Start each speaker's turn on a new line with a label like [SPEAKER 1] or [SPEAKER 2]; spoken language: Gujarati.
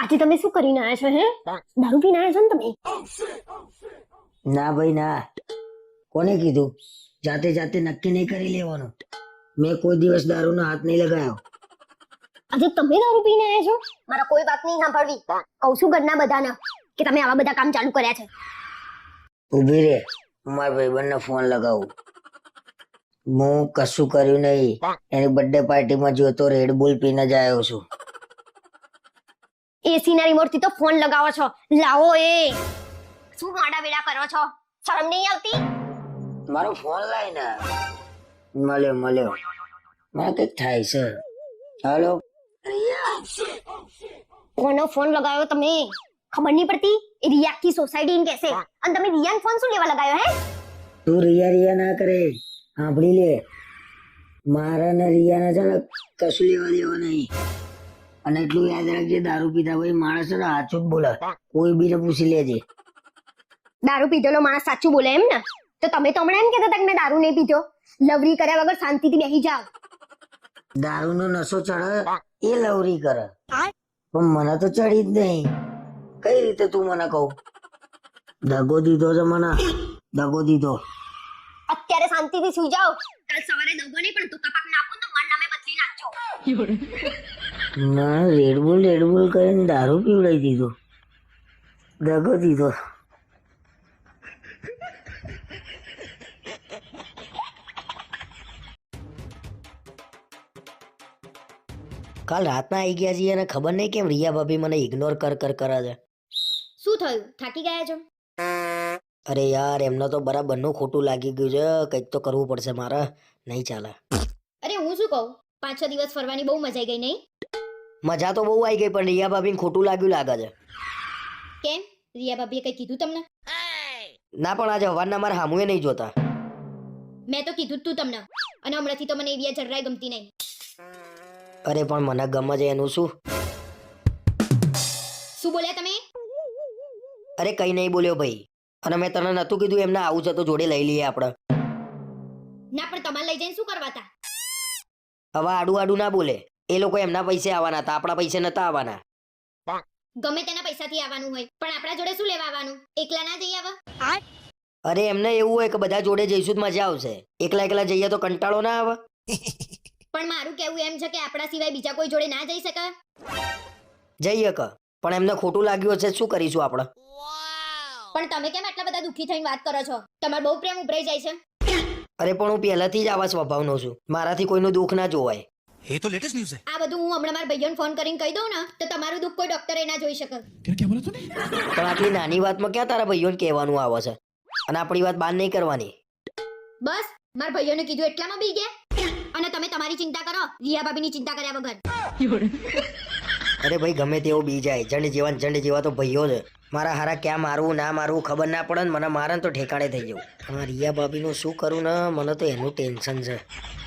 [SPEAKER 1] આજે તમે શું કરીને આયા છો? હે, દારૂ પીને આયા છો ને તમે?
[SPEAKER 2] ના ભાઈ ના, કોને કીધું? જાતે જાતે નક્કી નહીં કરી લેવાનું. મેં કોઈ દિવસ દારૂનો હાથ નહીં લગાવ્યો.
[SPEAKER 1] આજે તમે દારૂ પીને આયા છો? મારા કોઈ વાત નહીં સાંભળવી. કહું છું ઘરના બધાને કે તમે આવા બધા કામ ચાલુ કર્યા છે.
[SPEAKER 2] ઉભી રે, મારા ભાઈબંધને ફોન લગાવું. હું કશું કર્યું નહીં. એની બર્થડે પાર્ટીમાં જોતો રેડ બુલ પીને જ આવ્યો છું.
[SPEAKER 1] એસી ના રિમોટ થી તો ફોન લગાવો છો. લાવો એ શું માડા વેડા કરો છો? શરમ નહીં આવતી?
[SPEAKER 2] મારો ફોન લાય ને. મળ્યો મળ્યો, મને કઈક થાય છે. હાલો
[SPEAKER 1] કોનો ફોન લગાવ્યો તમે? ખબર નહીં પડતી? એ રિયા की સોસાયટી ને કહેશે. અને તમે રિયાન ફોન શું લેવા લગાવ્યો? હે,
[SPEAKER 2] તું રિયા રિયા ના કરે, સાંભળી લે. મારા ને રિયા છે ને કશું લેવા દેવા નહીં. અને એટલું યાદ રાખજે, દારૂ પીધા ભાઈ માણસ છે ને સાચું જ બોલે. કોઈ બીને પૂછી લેજે.
[SPEAKER 1] દારૂ પીધેલો માણસ સાચું બોલે એમ ને? તો તમે તો હમણાં એમ કહેતા હતા કે મેં દારૂ નહીં પીધો. લવરી કર્યા વગર શાંતિથી બેસી જાઓ.
[SPEAKER 2] દારૂનો નશો ચડે એ લવરી કરે, પણ મને તો ચડી જ નહીં. કઈ રીતે તું મને કહું? દગો દીધો છે મને, દગો દીધો.
[SPEAKER 1] અત્યારે શાંતિથી સુઈ જાઓ. કાલ સવારે દગો નહીં પણ તુકા પાક નાખો તો મારા નામે બદલી નાખજો.
[SPEAKER 2] ના, રેડબુલ કરીને દારૂ પીવડાવી દીધો, દગો દીધો. કાલ રાતના આવી ગયા છીએ અને ખબર નહીં કેમ રિયા ભાભી મને ઇગ્નોર કરે છે.
[SPEAKER 1] શું થયું? થાકી ગયા છો?
[SPEAKER 2] અરે યાર, એમને તો બરાબરનું ખોટું લાગી ગયું છે. કંઈક તો કરવું પડશે મારે, નહીં ચાલે.
[SPEAKER 1] અરે હું શું કહું, 5-6 દિવસ ફરવાની બહુ મજા આવી ગઈ નહીં?
[SPEAKER 2] મજા તો બહુ આવી ગઈ, પણ રિયા ભાભીને ખોટું લાગ્યું લાગે છે.
[SPEAKER 1] કેમ? રિયા ભાભીએ કઈ કીધું તમને?
[SPEAKER 2] ના, પણ આજે હવારના મારા હામુએ નહીં જોતા.
[SPEAKER 1] મેં તો કીધું જ તું તમને. અને હમણાંથી તો મને એવી જરાય ગમતી નહીં.
[SPEAKER 2] અરે પણ મને ગમે છે એનું શું?
[SPEAKER 1] શું બોલ્યા તમે?
[SPEAKER 2] અરે કઈ નહીં બોલ્યો ભાઈ. અને મેં તને નતું કીધું એમને આવું છે તો જોડે લઈ લઈએ આપણે?
[SPEAKER 1] ના, પણ તમારે લઈ જઈને શું કરવા હતા?
[SPEAKER 2] હવે આડું આડું ના બોલે. એ લોકો એમના પૈસે આવવાના હતા, આપણા પૈસે નતા આવવાના.
[SPEAKER 1] ગમે તેના પૈસાથી આવવાનું હોય, પણ આપણા જોડે શું લેવા આવવાનું? એકલા ના જઈ આવા?
[SPEAKER 2] અરે એમને એવું હોય કે બધા જોડે જઈશું તો મજા આવશે. એકલા એકલા જઈએ તો કંટાળો ના આવે?
[SPEAKER 1] પણ મારું કેવું એમ છે કે આપણા સિવાય બીજા કોઈ જોડે ના જઈ શકે?
[SPEAKER 2] જઈએ કે, પણ એમને ખોટું લાગ્યું હશે, શું કરીશું આપણે?
[SPEAKER 1] પણ તમે કેમ આટલા બધા દુઃખી થઈને વાત કરો છો? તમારો બહુ પ્રેમ ઉભરાઈ જાય છે.
[SPEAKER 2] અરે પણ હું પહેલાથી જ આવા સ્વભાવનો છું. મારાથી કોઈનું દુઃખ ના જોવાય.
[SPEAKER 3] ये तो लेटेस्ट न्यूज़ है।
[SPEAKER 1] આ બધું હું હમણાં મારા ભાઈઓને ફોન કરીને કહી દઉં ને તો તમારું દુઃખ કોઈ ડોક્ટરે ના જોઈ શકે.
[SPEAKER 3] क्या बोला तूने?
[SPEAKER 2] પણ આટલી નાની વાતમાં ક્યાં તારા ભાઈઓને કહેવાનું આવે છે? અને આપણી વાત બહાર નહીં કરવાની.
[SPEAKER 1] બસ મારા ભાઈઓને કીધું એટલામાં બી ગયા. અને તમે તમારી ચિંતા કરો, રિયા ભાભીની ચિંતા કર્યા વગર.
[SPEAKER 2] અરે ભાઈ, ગમે તેવો બી જાય, જંડ જેવા તો ભાઈઓ છે. મારા હારા ક્યાં મારવું ના મારવું ખબર ના પડે ને મને મારે તો ઠેકાણે થઈ જવું. પણ રિયા ભાભીનું શું કરું ને, મને તો એનું ટેન્શન છે.